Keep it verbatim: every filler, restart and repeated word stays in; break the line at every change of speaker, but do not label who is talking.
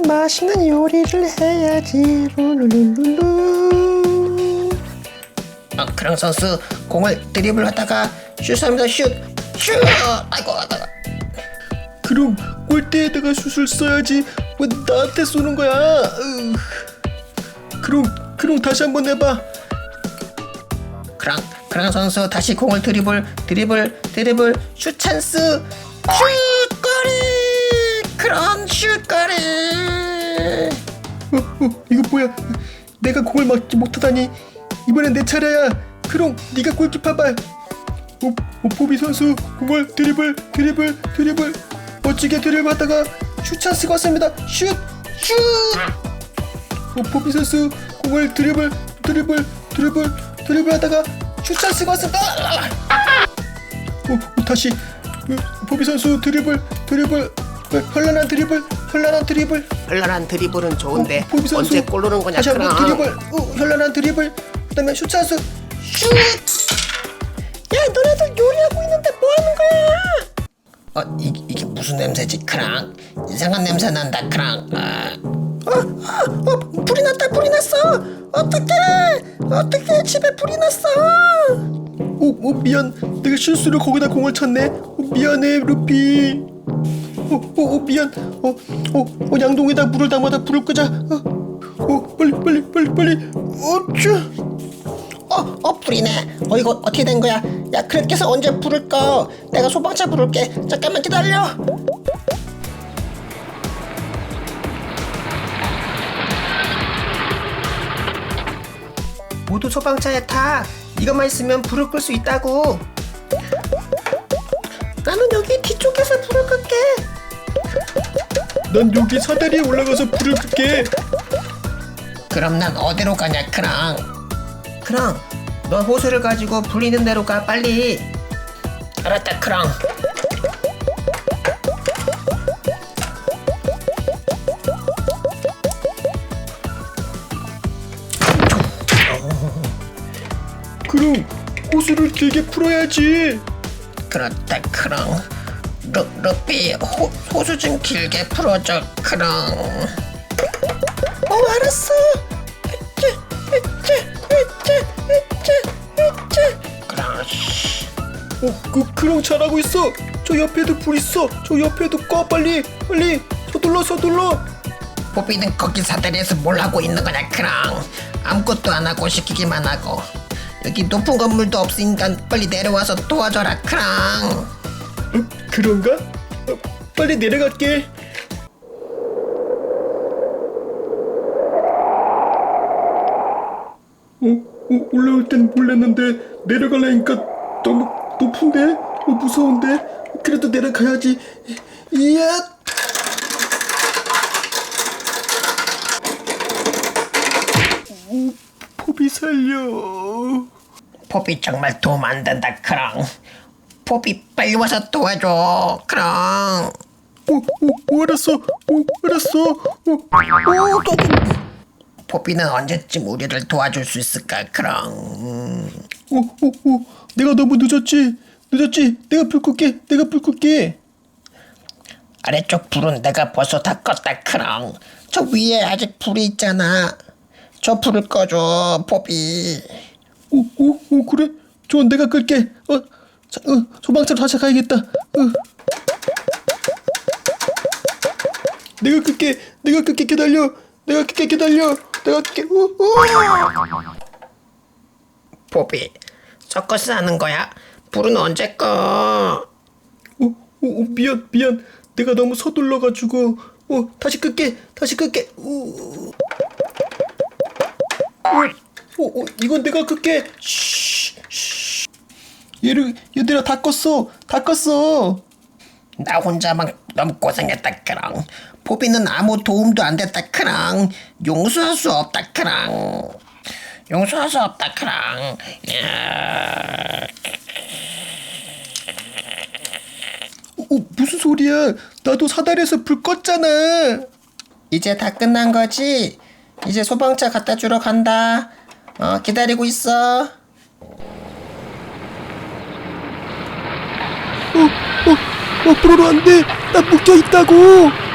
맛있는 요리를 해야지. 룰루룰루루.
어, 크랑 선수 공을 드리블 하다가 슛합니다. 슛! 슛! 아이고 아이고.
그럼 골대에다가 슛을 써야지. 왜 나한테 쏘는 거야? 으. 그럼 그럼 다시 한번 해봐.
크랑 크랑 선수 다시 공을 드리블 드리블 드리블 슛 찬스 슛 골이 크랑 슛 골이.
어, 어, 이거 뭐야? 내가 공을 막지 못하다니. 이번엔 내 차례야. 그럼 네가 골키퍼 봐. 어, 어, 포비 선수 공을 드리블 드리블 드리블 멋지게 드리블하다가 슛 찬스가 왔습니다. 슛! 슛! 어, 포비 선수 공을 드리블 드리블 드리블 드리블하다가 슛 찬스가 왔습니다. 어, 어, 다시 어, 포비 선수 드리블 드리블 어, 현란한 드리블 현란한 드리블
현란한 드리블은 좋은데
어, 포비 선수
언제 골 넣는 거냐
다시 한번
크랑.
드리블 어, 현란한 드리블 그다음에 슛 찬스 슛!
야 너네들 요리하고 있는데 뭐하는 거야? 어 이, 이게 무슨 냄새지 크랑? 이상한 냄새 난다 크랑. 아. 어, 어, 어 불이 났다 불이 났어. 어떡해 어떡해 집에 불이 났어.
어, 어 미안 내가 실수로 거기다 공을 쳤네. 어, 미안해 루피. 어, 어, 어 미안. 어, 어, 어 양동이다 물을 담아다 불을 끄자. 어, 어 빨리 빨리 빨리 빨리. 어쭈.
어, 어 불이네. 어 이거 어떻게 된 거야? 야 그렇게해서 언제 불을 꺼? 내가 소방차 부를게. 잠깐만 기다려. 모두 소방차에 타. 이것만 있으면 불을 끌 수 있다고. 나는 여기 뒤쪽에서 불을 끌게.
난 여기 사다리에 올라가서 불을 끌게.
그럼 난 어디로 가냐 크랑? 크랑 너 호수를 가지고 불 있는 데로 가 빨리. 알았다 크랑.
그럼 호수를 길게 풀어야지.
그렇다 크랑. 루, 루피 호, 호수 좀 길게 풀어줘 크랑. 어 알았어. 으쌰 으쌰 으쌰 으쌰 으쌰. 크랑.
어, 그 그럼 잘하고 있어. 저 옆에도 불 있어. 저 옆에도 꺼 빨리 빨리. 서둘러 서둘러.
포비는 거기 사다리에서 뭘 하고 있는 거냐 크랑. 아무것도 안 하고 시키기만 하고. 여기 높은 건물도 없으니까 빨리 내려와서 도와줘라 크랑.
어, 그런가? 어, 빨리 내려갈게. 어, 어, 올라올 땐 몰랐는데 내려가려니까 너무 높은데? 어, 무서운데? 그래도 내려가야지. 이야! 오, 포비 살려.
포비 정말 도움 안 된다 크랑. 포비 빨리 와서 도와줘 크랑.
오, 오, 알았어. 오, 알았어. 오, 오, 또.
포비는 언제쯤 우리를 도와줄 수 있을까 크랑.
오, 오, 오, 내가 너무 늦었지? 늦었지? 내가 불 끌게. 내가 불 끌게.
아래쪽 불은 내가 벌써 다 껐다 크랑. 저 위에 아직 불이 있잖아. 저 불을 꺼줘 포비.
오, 오, 오, 그래? 좋아, 내가 끌게. 어, 자, 어, 소방차로 다시 가야겠다. 어. 내가 끌게. 내가 끌게. 기다려. 내가 끌게. 기다려. 내가 끌게. 오, 오.
포비 서커스 하는 거야? 불은 언제 꺼?
오, 오, 오, 미안, 미안. 내가 너무 서둘러가지고. 어, 다시 끌게. 다시 끌게. 오. 오, 오, 이건 내가 끌게. 쉬, 쉬. 얘를, 얘들아 다 껐어. 다 껐어.
나 혼자만 너무 고생했다 크랑. 포비는 아무 도움도 안 됐다 크랑. 용서할 수 없다 크랑. 용서할 수 없다 크랑. 야.
어, 무슨 소리야? 나도 사다리에서 불 껐잖아.
이제 다 끝난 거지? 이제 소방차 갖다 주러 간다. 어, 기다리고 있어.
어, 어, 어, 불어로 안 돼. 나 묶여 있다고.